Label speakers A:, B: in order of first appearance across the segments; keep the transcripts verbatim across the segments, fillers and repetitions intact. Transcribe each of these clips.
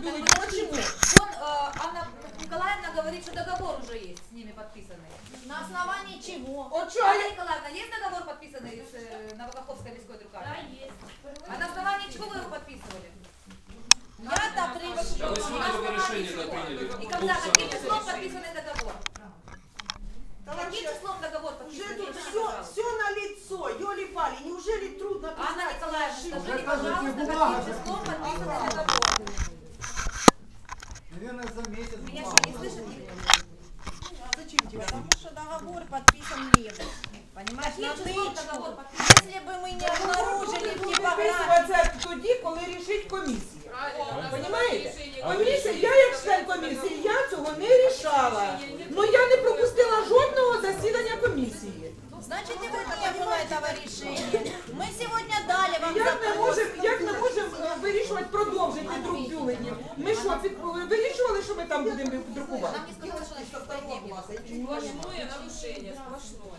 A: бюллетень. Почему?
B: Вон э, Анна Николаевна говорит, что договор уже есть с ними подписанный.
C: На основании чего?
A: От что?
B: Анна Николаевна, есть договор подписанный с э, Новокаховской міської друкарні?
C: Да, есть.
B: А на основании чего вы его подписывали?
C: Я так
D: Да вы
C: решила.
D: сегодня только решение да, приняли.
B: И когда, каким числом подписанный договор?
A: Да
B: Каким
A: вообще,
B: числом договор
A: уже
B: подписан?
A: тут
B: Скажите,
A: все,
B: пожалуйста.
A: все на лицо, ёли-пали, неужели трудно
B: Анна
A: писать?
B: Николаевна,
A: ошибки?
B: скажите, пожалуйста, каким числом подписанный договор?
E: Наверное, за месяц.
B: Меня
E: два.
B: что, не слышит никто?
A: А зачем тебе?
C: Потому что договор подписан левым. Понимаешь,
B: Каким
C: на
B: числом
C: тычку.
B: договор подписан?
C: Если бы мы не обнаружили в типографии.
A: Підписуватися тоді, коли рішить комісія. Понимаєте? Комісія, я як член комісії, я цього не рішала. Ну я не пропустила жодного засідання комісії.
C: Значит, и вот не было этого решения. Мы сегодня дали вам
A: Як ми
C: запрос.
A: можемо, як ми можемо е, вирішувати продовжити друк бюлетнів? Ми що, під- вирішували, що ми там будемо друкувати?
B: Нам не сказали, что насчет второго класса.
F: Сплошное нарушение, сплошное.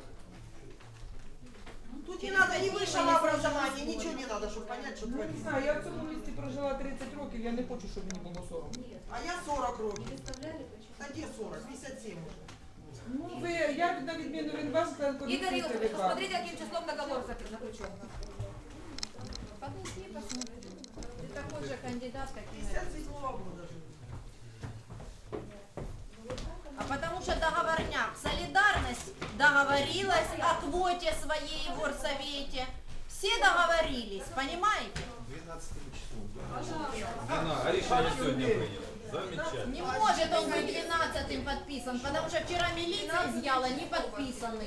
A: Тут не надо ни высшего образования, ничего не надо, чтобы понять, что
G: Ну, не
A: творится.
G: знаю, я в цьому місті прожила тридцать років, я не хочу, щоб мені було соромно.
A: А я сорок років. Та де сорок? п'ятдесят сім уже.
G: Ну, ви, я на відміну від вас, член
B: Игорь
G: комісії
B: Юрьевич,
G: ТВК.
B: посмотрите, каким числом договор заключен.
C: Подойди, посмотри. Ты такой же кандидат, как и мы.
A: п'ятдесят седьмого года же.
C: А потому что договорняк. Солидарность договорилась о квоте своей в горсовете. Все договорились, понимаете?
E: двенадцатым числом.
D: Она, а решение сегодня приняла. Замечательно.
C: Не может он быть двенадцатым подписан, потому что вчера милиция изъяла не подписанный.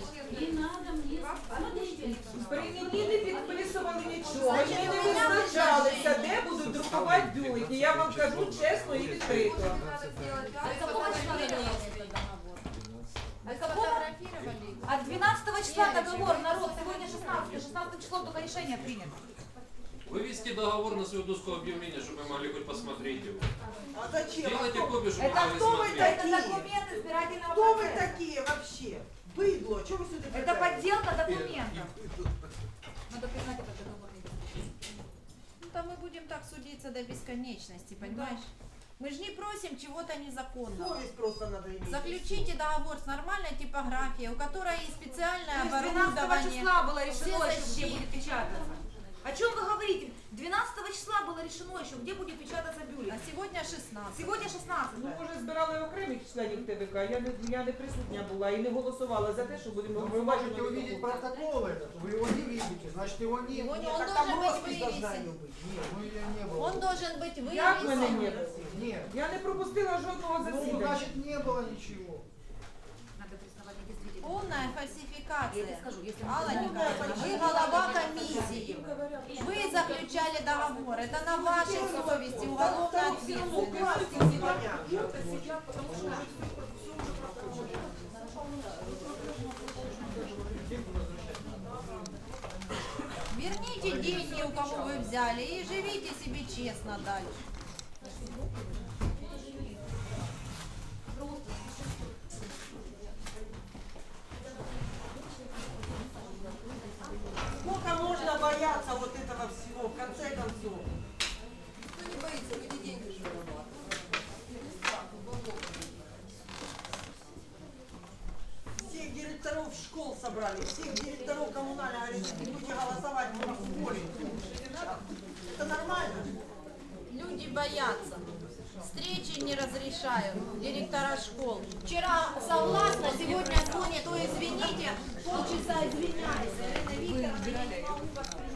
G: Прийняті не підписували нічого, ми не визначалися, де будуть друкувати бюлетні. Я вам кажу чесно і відкрито.
B: А какого числа договор? А какого?
C: Сфотографировали.
B: А двенадцатого числа договор, народ, сегодня шестнадцатое, шестнадцатым числом только решение принято.
D: Вывести договор на свою доску объявления, чтобы мы могли хоть посмотреть его.
A: А зачем?
D: Сделайте
A: А кто-
D: копию, чтобы мы
B: Это
D: могли
A: кто вы
D: смотреть.
B: Это
A: такие?
B: документы избирательного
A: Кто вы
B: процесса.
A: такие вообще? Быдло, что вы сюда
B: Это
A: притащили?
B: подделка документов. Надо признать этот договор.
C: Ну, то мы будем так судиться до бесконечности, понимаешь? Мы же не просим чего-то незаконного.
A: Совесть просто надо иметь.
C: Заключите договор с нормальной типографией, у которой есть специальное
B: То есть двенадцатого
C: оборудование.
B: числа было решено
C: все
B: еще, где
C: защиты.
B: будет печататься. О чем вы говорите? двенадцатого числа было решено еще, где будет печататься
C: А
B: бюллетень.
C: сегодня шестнадцать.
B: Сегодня
G: Ну,
B: шестнадцатое.
G: може, збирали окремих членів ТВК, я не, я не присутня була і не голосувала за те, що будемо
E: Вы
G: впроваджувати
E: можете увидеть
G: таку.
E: протокол этот, вы его не видите, значит его нет.
C: Его не-
A: Нет,
C: он
A: так
C: должен
A: там
C: быть
A: роспись должна
C: вывесен.
A: ее быть.
E: Нет, ну ее не было.
C: Он должен быть
G: Як мене не
C: вывесен.
G: було?
E: Нет.
G: Я не пропустила жодного
E: Ну,
G: засідання.
E: значит не было ничего.
B: Надо признавать недействительным.
C: Полная
B: Я
C: фальсификация.
B: тебе скажу, если
C: Алла
B: мы-
C: Николаевна, вы голова комиссии. Вы заключали договор. Это на вашей совести уголовная ответственность. Верните деньги, у кого вы взяли, и живите себе честно дальше.
A: Сколько можно бояться вот этого всего, в конце концов?
B: Кто не боится, люди деньги же
A: Всех директоров школ собрали, всех директоров коммунальных, говорят, не будете голосовать, мы вас уволим. Это нормально?
C: Люди боятся. Встречи не разрешают директора школ. Вчера согласна, сегодня звонят, ой, извините, полчаса извиняюсь. Ирина Викторовна, я не могу вас принять.